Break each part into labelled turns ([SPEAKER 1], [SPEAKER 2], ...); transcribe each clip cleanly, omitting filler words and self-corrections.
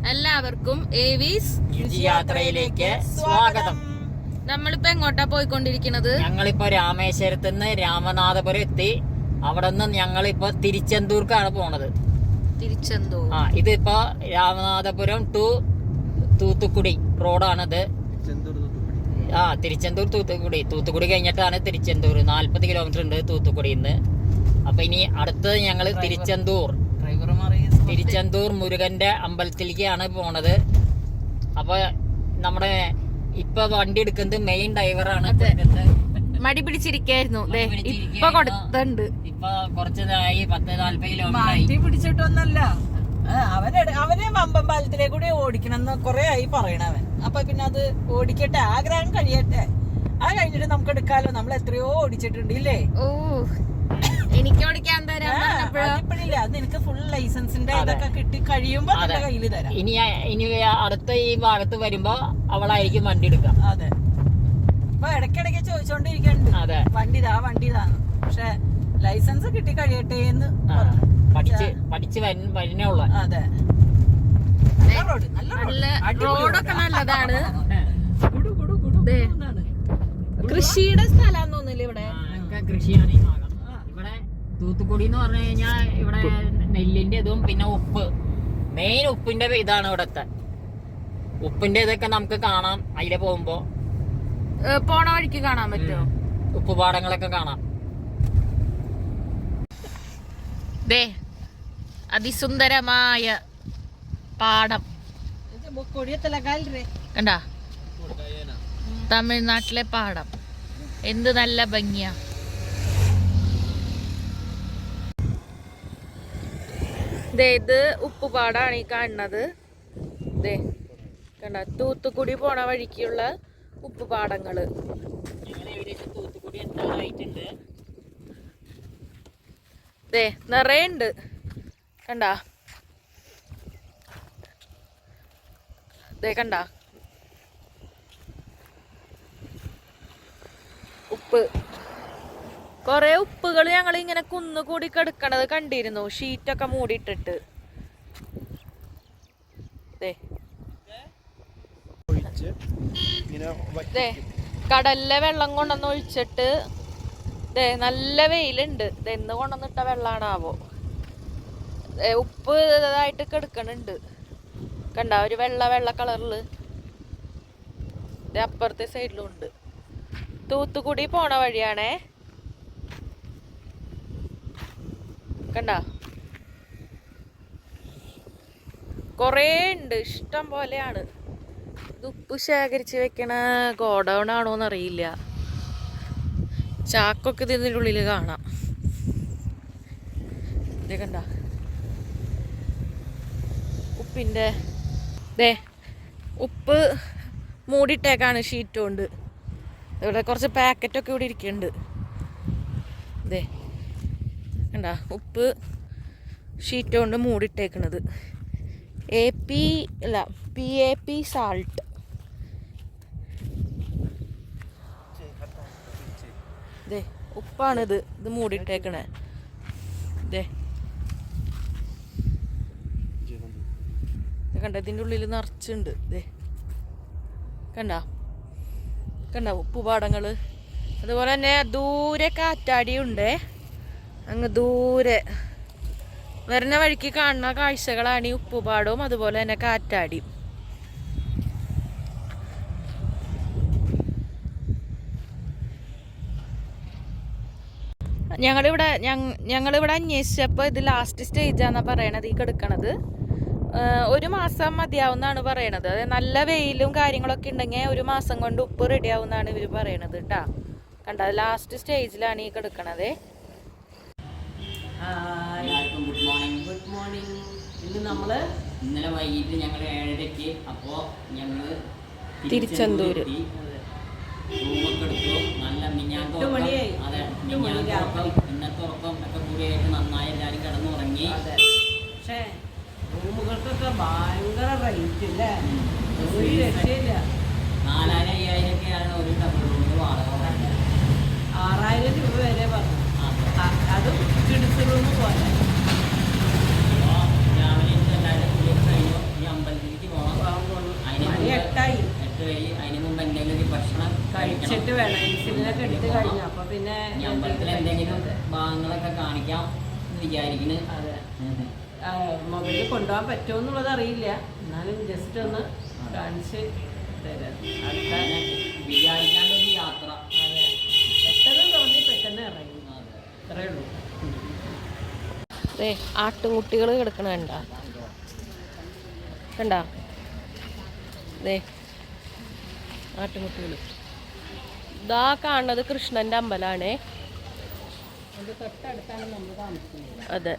[SPEAKER 1] എല്ലാവർക്കും ഏവീസ്
[SPEAKER 2] യാത്രയിലേക്ക് സ്വാഗതം.
[SPEAKER 1] നമ്മളിപ്പോ എങ്ങോട്ടാ പോയിക്കൊണ്ടിരിക്കുന്നത്?
[SPEAKER 2] ഞങ്ങളിപ്പോ രാമേശ്വരത്ത് നിന്ന് രാമനാഥപുരം എത്തി. അവിടെ നിന്ന് ഞങ്ങളിപ്പോ തിരുച്ചെന്തൂർക്കാണ് പോണത്.
[SPEAKER 1] തിരുച്ചെന്തൂർ.
[SPEAKER 2] ഇതിപ്പോ രാമനാഥപുരം ടു തൂത്തുക്കുടി റോഡാണിത്. തിരുച്ചെന്തൂർ തൂത്തുക്കുടി കഴിഞ്ഞിട്ടാണ് തിരുച്ചെന്തൂർ. 40 കിലോമീറ്റർ ഉണ്ട് തൂത്തുക്കുടിന്ന്. അപ്പൊ ഇനി അടുത്തത് ഞങ്ങള് തിരുച്ചെന്തൂർ മുരുകന്റെ അമ്പലത്തിലേക്കാണ് പോണത്. അപ്പൊ നമ്മുടെ ഇപ്പൊ വണ്ടി എടുക്കുന്നത് മെയിൻ ഡ്രൈവറാണ്.
[SPEAKER 1] മടി പിടിച്ചിരിക്കായിരുന്നു, ഇപ്പൊ കൊടുത്തുണ്ട്.
[SPEAKER 2] ഇപ്പൊ കുറച്ചതായി 10-40 കിലോമീറ്റർ
[SPEAKER 3] പിടിച്ചിട്ടൊന്നല്ല. അവനെ വമ്പം പാലത്തിലേക്ക് കൂടി ഓടിക്കണം എന്ന് കൊറേ ആയി പറയണവൻ. അപ്പൊ പിന്നെ അത് ഓടിക്കട്ടെ, ആഗ്രഹം കഴിയട്ടെ. അത് കഴിഞ്ഞിട്ട് നമുക്ക് എടുക്കാലോ. നമ്മൾ എത്രയോ ഓടിച്ചിട്ടുണ്ട് ഇല്ലേ?
[SPEAKER 1] ഓ, എനിക്ക് ഓടിക്കാൻ തരാം.
[SPEAKER 3] ഇപ്പഴില്ല, അത് നിനക്ക് ഫുൾ ലൈസൻസിന്റെ ഇതൊക്കെ കിട്ടി കഴിയുമ്പോ നിന്റെ കയ്യില് തരാം.
[SPEAKER 2] ഇനി അടുത്ത ഈ ഭാഗത്ത് വരുമ്പോ അവളായിരിക്കും വണ്ടി എടുക്കാം.
[SPEAKER 3] അതെ, ഇപ്പൊ ഇടയ്ക്കിടയ്ക്ക് ചോദിച്ചോണ്ടിരിക്കണ്ട് വണ്ടിതാന്ന്. പക്ഷെ ലൈസൻസ് കിട്ടി കഴിയട്ടെ എന്ന്
[SPEAKER 2] പഠിച്ച് വരുന്നേ ഉള്ളു.
[SPEAKER 3] അതെ,
[SPEAKER 1] റോഡൊക്കെ നല്ലതാണ്. കൃഷിയുടെ സ്ഥലം തോന്നില്ല ഇവിടെ.
[SPEAKER 2] കൃഷിയാണ് ഈ ഭാഗം. ഇവിടെ തൂത്തുക്കുടി എന്ന് പറഞ്ഞു കഴിഞ്ഞാൽ ഇവിടെ നെല്ലിന്റെ ഇതും പിന്നെ ഉപ്പ്, മെയിൻ ഉപ്പിന്റെ ഇതാണ് ഇവിടത്തെ. ഉപ്പിന്റെ ഇതൊക്കെ നമുക്ക് കാണാം അതിലെ പോകുമ്പോ.
[SPEAKER 1] പോണ വഴിക്ക് കാണാൻ പറ്റുമോ?
[SPEAKER 2] ഉപ്പുപാടങ്ങളൊക്കെ കാണാം.
[SPEAKER 1] അതിസുന്ദരമായ പാടം കണ്ടാ, തമിഴ്നാട്ടിലെ പാടം എന്ത് നല്ല ഭംഗിയാ. ഇത് ഉപ്പുപാടാണ് ഈ കാണുന്നത്. കണ്ട, തൂത്തുക്കുടി പോണ വഴിക്കുള്ള ഉപ്പുപാടങ്ങള്. നിറയുണ്ട്, കണ്ട കണ്ട ഉപ്പ്. കൊറേ ഉപ്പുകൾ ഞങ്ങൾ ഇങ്ങനെ കുന്നുകൂടി കിടക്കണത് കണ്ടിരുന്നു, ഷീറ്റൊക്കെ മൂടിയിട്ടിട്ട്. കടലിലെ വെള്ളം കൊണ്ടുവന്ന് ഒഴിച്ചിട്ട് നല്ല വെയിലുണ്ട്. എന്ന് കൊണ്ടുവന്നിട്ട വെള്ളാണാവോ. ഉപ്പ് ഇതായിട്ട് കിടക്കണുണ്ട്, കണ്ട, ഒരു വെള്ള കളറില്. അപ്പുറത്തെ സൈഡിലും ഉണ്ട്. തൂത്തുക്കുടി പോണ വഴിയാണേ, കണ്ട. കൊറേ ഉണ്ട്, ഇഷ്ടം പോലെയാണ്. ഇത് ഉപ്പ് ശേഖരിച്ച് വെക്കണ ഗോഡൗൺ ആണോന്ന് അറിയില്ല. ചാക്കൊക്കെ ഇതിൻ്റെ ഉള്ളിൽ കാണാം. ഇത് കണ്ട, ഉപ്പിൻ്റെ ഉപ്പ് മൂടിയിട്ടേക്കാണ് ഷീറ്റ് കൊണ്ട്. ഇവിടെ കുറച്ച് പാക്കറ്റൊക്കെ ഇവിടെ ഇരിക്കുന്നുണ്ട്. കണ്ട, ഉപ്പ് ഷീറ്റ് കൊണ്ട് മൂടിയിട്ടേക്കണത്. PAP salt. ഉപ്പാണിത്, ഇത് മൂടിയിട്ടേക്കണേ. കണ്ട, ഇതിൻ്റെ ഉള്ളിൽ നിറച്ചുണ്ട്. കണ്ട ഉപ്പുപാടങ്ങള്. അതുപോലെ തന്നെ ദൂരെ കാറ്റാടിയുണ്ടേ, അങ്ങ് ദൂരെ വരുന്ന വഴിക്ക് കാണുന്ന കാഴ്ചകളാണ് ഈ ഉപ്പുപാടവും അതുപോലെ തന്നെ കാറ്റാടിയും. ഞങ്ങളിവിടെ അന്വേഷിച്ചപ്പോൾ ഇത് ലാസ്റ്റ് സ്റ്റേജാന്നാ പറയണത് ഈ കിടക്കണത്. 1 മാസം മതിയാവുന്നാണ് പറയണത്. അതായത് നല്ല വെയിലും കാര്യങ്ങളൊക്കെ ഉണ്ടെങ്കിൽ 1 മാസം കൊണ്ട് ഉപ്പ് റെഡി ആവുന്നാണ് ഇവർ പറയണത് കേട്ടാ. കണ്ട, ലാസ്റ്റ് സ്റ്റേജിലാണ് ഈ കിടക്കണത്.
[SPEAKER 3] Good morning.
[SPEAKER 2] ഇന്നലെ വൈകിട്ട് ഞങ്ങൾ 7:30ക്ക് അപ്പോ ഞങ്ങള്
[SPEAKER 1] തിരുച്ചെന്തൂര്
[SPEAKER 2] റൂമൊക്കെ എടുത്തു. നല്ല ഇന്നത്തെ ഉറക്കം ഒക്കെ കൂടിയായിട്ട് നന്നായി എല്ലാവരും കിടന്നുറങ്ങി.
[SPEAKER 3] പക്ഷേ റൂമുകൾക്കൊക്കെ ഭയങ്കര റേറ്റ് അല്ലേ, ഒരു രക്ഷയില്ല.
[SPEAKER 2] 4000-5000 ഒരു ഡബിൾ റൂമിന് വാടക.
[SPEAKER 3] 6000 രൂപ വരെ പറഞ്ഞു. അതും കിഡ്സ് റൂം പോലെ.
[SPEAKER 2] രാവിലെ എല്ലാവരും കഴിഞ്ഞു ഈ അമ്പലത്തിൽ ഇനി അമ്പലത്തിൽ എന്തെങ്കിലും ഭാഗങ്ങളൊക്കെ കാണിക്കാം എന്ന് വിചാരിക്കുന്നു.
[SPEAKER 3] അതെ, മൊബൈലിൽ കൊണ്ടുപോകാൻ പറ്റുമോ എന്നുള്ളത് അറിയില്ല, എന്നാലും ജസ്റ്റ് ഒന്ന് കാണിച്ച് തരാം.
[SPEAKER 2] വിചാരിക്കാണ്ടൊരു യാത്ര.
[SPEAKER 3] അതെ, പെട്ടെന്ന് തോന്നി പെട്ടെന്ന് ഇറങ്ങി, അത്രേ ഉള്ളൂ.
[SPEAKER 1] അതെ, ആട്ടുംകുട്ടികൾ കിടക്കണ കണ്ട കണ്ട അതെ, ആട്ടുംകുട്ടികൾ. ഇതാ കാണുന്നത് കൃഷ്ണന്റെ അമ്പലമാണേ.
[SPEAKER 3] അത് തൊട്ടടുത്താണ് നമ്മൾ താമസിക്കുന്നത്.
[SPEAKER 1] അതെ,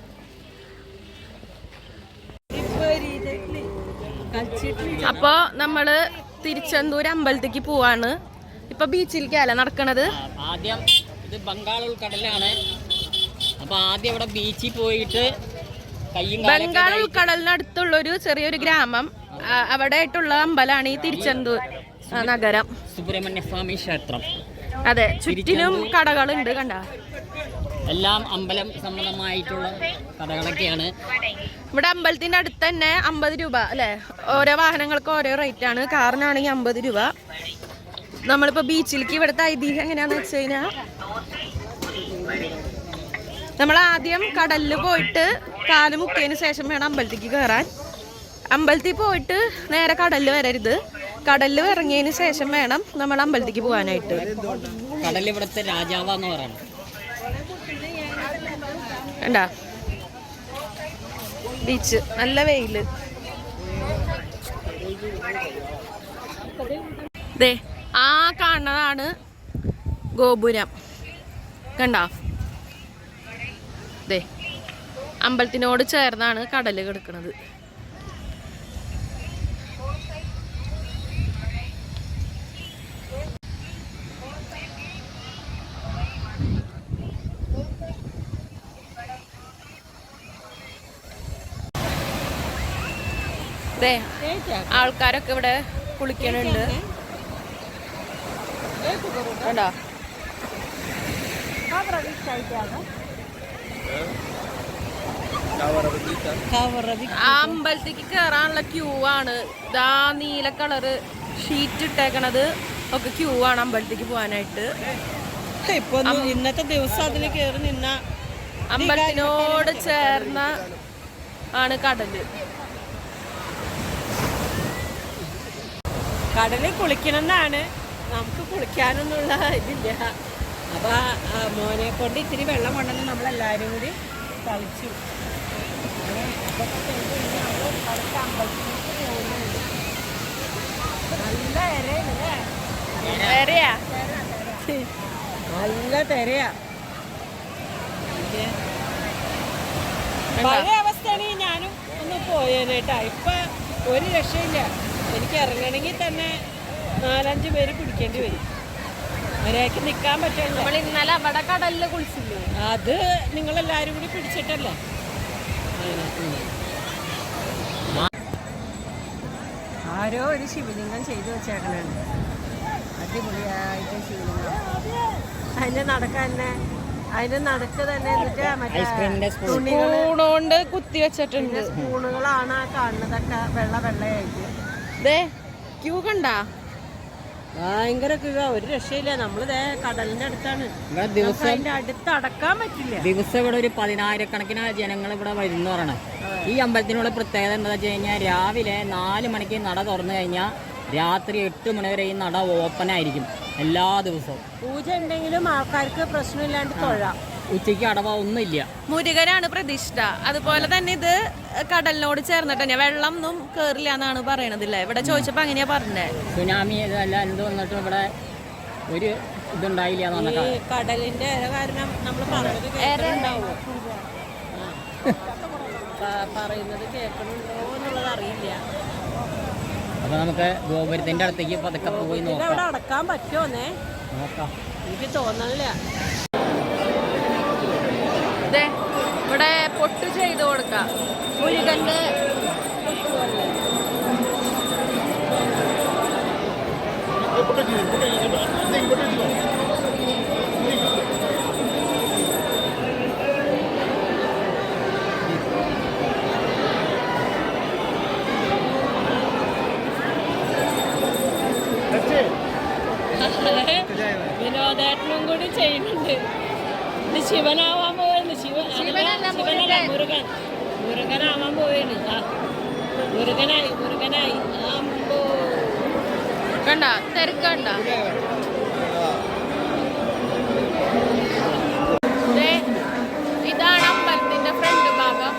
[SPEAKER 1] അപ്പൊ നമ്മള് തിരുച്ചെന്തൂർ അമ്പലത്തേക്ക് പോവാണ്. ഇപ്പൊ ബീച്ചിലേക്കല്ലേ നടക്കണത്.
[SPEAKER 2] ആദ്യം ഇത് ബംഗാൾ ഉൾക്കടലാണ്. അപ്പൊ ആദ്യം ഇവിടെ ബീച്ചിൽ പോയിട്ട്
[SPEAKER 1] ബംഗാൾ ഉൾക്കടലിനടുത്തുള്ള ഒരു ചെറിയൊരു ഗ്രാമം, അവിടെ ആയിട്ടുള്ള അമ്പലമാണ് ഈ തിരുച്ചെന്തൂർ നഗരം.
[SPEAKER 2] സുബ്രഹ്മണ്യ സ്വാമി ക്ഷേത്രം.
[SPEAKER 1] അതെ, ചുറ്റിനും കടകളുണ്ട് കണ്ട.
[SPEAKER 2] എല്ലാം അമ്പലം സംബന്ധമായിട്ടുള്ള കടകളൊക്കെയാണ്.
[SPEAKER 1] ഇവിടെ അമ്പലത്തിന്റെ അടുത്ത് തന്നെ 50 രൂപ അല്ലെ, ഓരോ വാഹനങ്ങൾക്ക് ഓരോ റേറ്റ് ആണ്. കാറിനാണെങ്കിൽ 50 രൂപ. നമ്മളിപ്പോ ബീച്ചിലേക്ക് ഇവിടുത്തെ ഐതിഹ്യം എങ്ങനെയാന്ന് വെച്ച് കഴിഞ്ഞാൽ, നമ്മൾ ആദ്യം കടലിൽ പോയിട്ട് കാല് മുക്കിയതിന് ശേഷം വേണം അമ്പലത്തേക്ക് കയറാൻ. അമ്പലത്തിൽ പോയിട്ട് നേരെ കടലിൽ വരരുത്, കടലിൽ ഇറങ്ങിയതിന് ശേഷം വേണം നമ്മൾ അമ്പലത്തേക്ക് പോകാനായിട്ട്.
[SPEAKER 2] കടൽ ഇവിടുത്തെ രാജാവാന്ന് പറയണം.
[SPEAKER 1] കണ്ടാ ബീച്ച്, നല്ല വെയില്. ദേ ആ കാണുന്നതാണ് ഗോപുരം, കണ്ടാ. ദേ അമ്പലത്തിനോട് ചേർന്നാണ് കടല് കിടക്കുന്നത്. ആൾക്കാരൊക്കെ ഇവിടെ കുളിക്കണുണ്ട് കണ്ടോ. ആ അമ്പലത്തേക്ക് കേറാനുള്ള ക്യൂ ആണ്. ഇതാ നീല കളറ് ഷീറ്റ് ഇട്ടേക്കണത് ഒക്കെ ക്യൂ ആണ് അമ്പലത്തേക്ക് പോകാനായിട്ട്.
[SPEAKER 3] ഇപ്പൊ ഇന്നത്തെ ദിവസം അതിൽ കയറി നിന്ന
[SPEAKER 1] അമ്പലത്തിനോട് ചേർന്ന ആണ് കടല്.
[SPEAKER 3] കടലിൽ കുളിക്കണമെന്നാണ്, നമുക്ക് കുളിക്കാനൊന്നുള്ള ഇതില്ല. അപ്പൊ മോനെ കൊണ്ട് ഇത്തിരി വെള്ളം കൊണ്ടുവന്ന് നമ്മളെല്ലാവരും കൂടി കളിച്ചു. നല്ല
[SPEAKER 1] വേറെയാ,
[SPEAKER 3] നല്ല തെരയാ. പഴയ അവസ്ഥയാണെങ്കിൽ ഞാനും ഒന്ന് പോയേനേട്ടാ. ഇപ്പൊ ഒരു രക്ഷയില്ല, എനിക്ക് ഇറങ്ങണമെങ്കിൽ തന്നെ 4-5 പേര് പിടിക്കേണ്ടി വരും, ഒരാൾക്ക് നിൽക്കാൻ പറ്റില്ല.
[SPEAKER 1] നമ്മൾ ഇന്നലെ അവിടെ കടലിൽ കുളിച്ചില്ലേ,
[SPEAKER 3] അത് നിങ്ങളെല്ലാരും കൂടി പിടിച്ചിട്ടല്ലേ. ആരോ ഒരു ശിവലിംഗം ചെയ്തു വെച്ചേക്കണുണ്ട്, അടിപൊളിയായിട്ട് ശിവലിംഗം. അതിന്റെ നടക്ക് തന്നെ, അതിന്റെ നടക്ക് തന്നെ എന്നിട്ട് മറ്റേ
[SPEAKER 1] സ്പൂണോണ്ട് കുത്തി വെച്ചിട്ടുണ്ട്.
[SPEAKER 3] സ്പൂണുകളാണ് ആ കാണുന്നതൊക്കെ, വെള്ളയായിട്ട്.
[SPEAKER 1] ക്യൂ കണ്ടാ,
[SPEAKER 3] ഭയങ്കര ക്യൂ, ഒരു രക്ഷയില്ല. നമ്മളിതേ കടലിന്റെ അടുത്താണ്, അതിന്റെ അടുത്ത് അടക്കാൻ പറ്റില്ല.
[SPEAKER 2] ദിവസം ഇവിടെ ഒരു 10,000-കണക്കിന് ജനങ്ങൾ ഇവിടെ വരുന്ന പറയണം. ഈ അമ്പലത്തിനുള്ള പ്രത്യേകത എന്താ വെച്ച് കഴിഞ്ഞാൽ, രാവിലെ 4 മണിക്ക് നട തുറന്നു കഴിഞ്ഞാൽ രാത്രി 8 മണി വരെ ഈ നട ഓപ്പൺ ആയിരിക്കും എല്ലാ ദിവസവും.
[SPEAKER 3] പൂജ ഉണ്ടെങ്കിലും ആൾക്കാർക്ക് പ്രശ്നമില്ലാണ്ട് തൊഴാം.
[SPEAKER 2] ഉച്ചയ്ക്ക് അടവ ഒന്നുമില്ല.
[SPEAKER 1] മുരുകനാണ് പ്രതിഷ്ഠ. അതുപോലെ തന്നെ ഇത് കടലിനോട് ചേർന്നിട്ട് തന്നെ, വെള്ളം ഒന്നും കേറില്ല എന്നാണ് പറയണതില്ലേ. ഇവിടെ ചോദിച്ചപ്പോ അങ്ങനെയാ പറഞ്ഞേ.
[SPEAKER 2] സുനാമി ഇതല്ല എന്ത് വന്നിട്ടും ഇവിടെ ഒരു ഇതുണ്ടായില്ല എന്ന് പറഞ്ഞാൽ
[SPEAKER 3] കടലിന്റെ കാരണം നമ്മൾ പറഞ്ഞത് കേൾക്കുന്നുണ്ടാവോ, പറയുന്നത് കേൾക്കണുണ്ടോ എന്നുള്ളത് അറിയില്ല.
[SPEAKER 2] അപ്പൊ നമുക്ക് ഗോപുരത്തിന്റെ അടുത്തേക്ക് പതുക്കെ പോയി നോക്കാം.
[SPEAKER 3] അവിടെ അടക്കാൻ പറ്റുമോന്നേ
[SPEAKER 2] നോക്കാം,
[SPEAKER 3] എനിക്ക് തോന്നണില്ല.
[SPEAKER 1] ഇവിടെ പൊട്ട് ചെയ്ത് കൊടുക്കാം മുരുകന്റെ.
[SPEAKER 4] വിനോദേട്ടനും കൂടി ചെയ്യുന്നുണ്ട്. ഇത് ശിവനാവാൻ പോവാണ്. ശിവനല്ല മുരുകൻ. മുരുകനാവാൻ പോവാണ്. മുരുകനായി അമ്പോ
[SPEAKER 1] കണ്ട തിരക്കണ്ട. ഇതാണ് അമ്പലത്തിന്റെ ഫ്രണ്ട് ഭാഗം.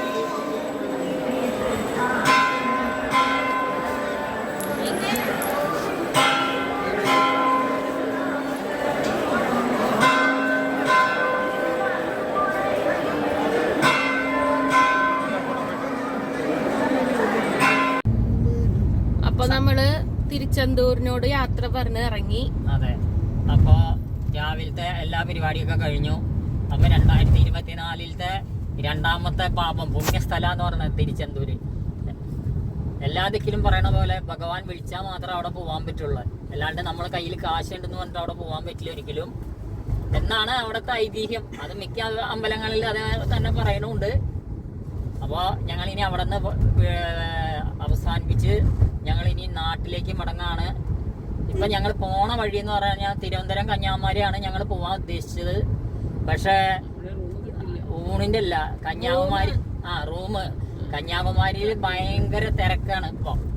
[SPEAKER 1] അപ്പൊ നമ്മള് തിരുച്ചെന്തൂരിനോട് യാത്ര പറഞ്ഞ് ഇറങ്ങി.
[SPEAKER 2] അതെ, അപ്പൊ രാവിലത്തെ എല്ലാ പരിപാടിയൊക്കെ കഴിഞ്ഞു. അപ്പൊ 2024 രണ്ടാമത്തെ പാപം പുണ്യസ്ഥലം എന്ന് പറഞ്ഞത് തിരുച്ചെന്തൂര്. എല്ലാ ദിക്കിലും പറയണ പോലെ ഭഗവാൻ വിളിച്ചാൽ മാത്രമേ അവിടെ പോകാൻ പറ്റുള്ളൂ. അല്ലാണ്ട് നമ്മളെ കയ്യിൽ കാശുണ്ടെന്ന് പറഞ്ഞിട്ട് അവിടെ പോകാൻ പറ്റില്ല ഒരിക്കലും എന്നാണ് അവിടുത്തെ ഐതിഹ്യം. അത് മിക്ക അമ്പലങ്ങളിൽ അത് തന്നെ പറയണുണ്ട്. അപ്പോൾ ഞങ്ങൾ ഇനി അവിടെ നിന്ന് അവസാനിപ്പിച്ച് ഞങ്ങൾ ഇനി നാട്ടിലേക്ക് മടങ്ങാണ്. ഇപ്പൊ ഞങ്ങൾ പോണ വഴി എന്ന് പറഞ്ഞാൽ തിരുവനന്തപുരം കന്യാകുമാരിയാണ് ഞങ്ങൾ പോവാൻ ഉദ്ദേശിച്ചത്. പക്ഷേ ഊണിന്റെ അല്ല, കന്യാകുമാരി റൂം കന്യാകുമാരിയിൽ ഭയങ്കര തിരക്കാണ്.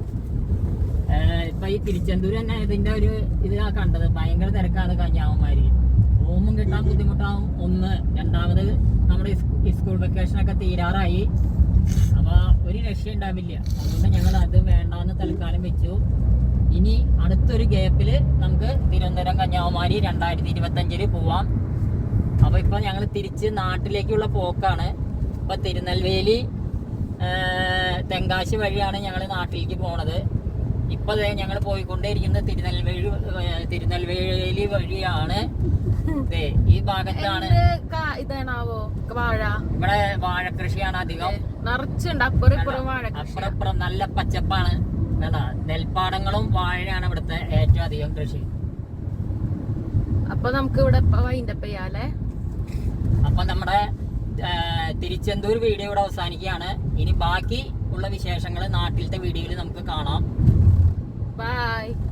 [SPEAKER 2] ഇപ്പൊ ഈ തിരുച്ചെന്തൂർ തന്നെ ഇതിന്റെ ഒരു ഇതാ കണ്ടത്, ഭയങ്കര തിരക്കാണ് കന്യാകുമാരി. റൂമും കിട്ടാൻ ബുദ്ധിമുട്ടാവും ഒന്ന്. രണ്ടാമത് നമ്മുടെ സ്കൂൾ വെക്കേഷനൊക്കെ തീരാറായി. അപ്പൊ ഒരു രക്ഷ ഉണ്ടാവില്ല. അതുകൊണ്ട് ഞങ്ങൾ അത് വേണ്ടാന്ന് തൽക്കാലം വെച്ചു. ഇനി അടുത്തൊരു ഗ്യാപ്പിൽ നമുക്ക് തിരുവനന്തപുരം കന്യാകുമാരി 2025 പോവാം. അപ്പൊ ഇപ്പൊ ഞങ്ങൾ തിരിച്ച് നാട്ടിലേക്കുള്ള പോക്കാണ്. ഇപ്പൊ തിരുനെൽവേലി തെങ്കാശി വഴിയാണ് ഞങ്ങൾ നാട്ടിലേക്ക് പോണത്. ഇപ്പൊ ഞങ്ങൾ പോയിക്കൊണ്ടേയിരിക്കുന്നത് തിരുനെൽവേലി വഴിയാണ്. ഈ ഭാഗത്താണ്
[SPEAKER 1] ഇതാണാവോ വാഴ.
[SPEAKER 2] ഇവിടെ വാഴ കൃഷിയാണ് അധികം.
[SPEAKER 1] നിറച്ചുണ്ട് അപ്പുറം വാഴ.
[SPEAKER 2] അപ്പുറം നല്ല പച്ചപ്പാണ്. നെൽപ്പാടങ്ങളും വാഴയാണ് ഇവിടുത്തെ ഏറ്റവും അധികം കൃഷി.
[SPEAKER 1] അപ്പൊ നമുക്ക് ഇവിടെ വൈൻഡപ്പ് ചെയ്യാല്ലേ.
[SPEAKER 2] അപ്പൊ നമ്മുടെ തിരുച്ചെന്തൂർ വീഡിയോ ഇവിടെ അവസാനിക്കുകയാണ്. ഇനി ബാക്കി ഉള്ള വിശേഷങ്ങൾ നാട്ടിലത്തെ വീഡിയോയിൽ നമുക്ക് കാണാം.
[SPEAKER 1] ബൈ.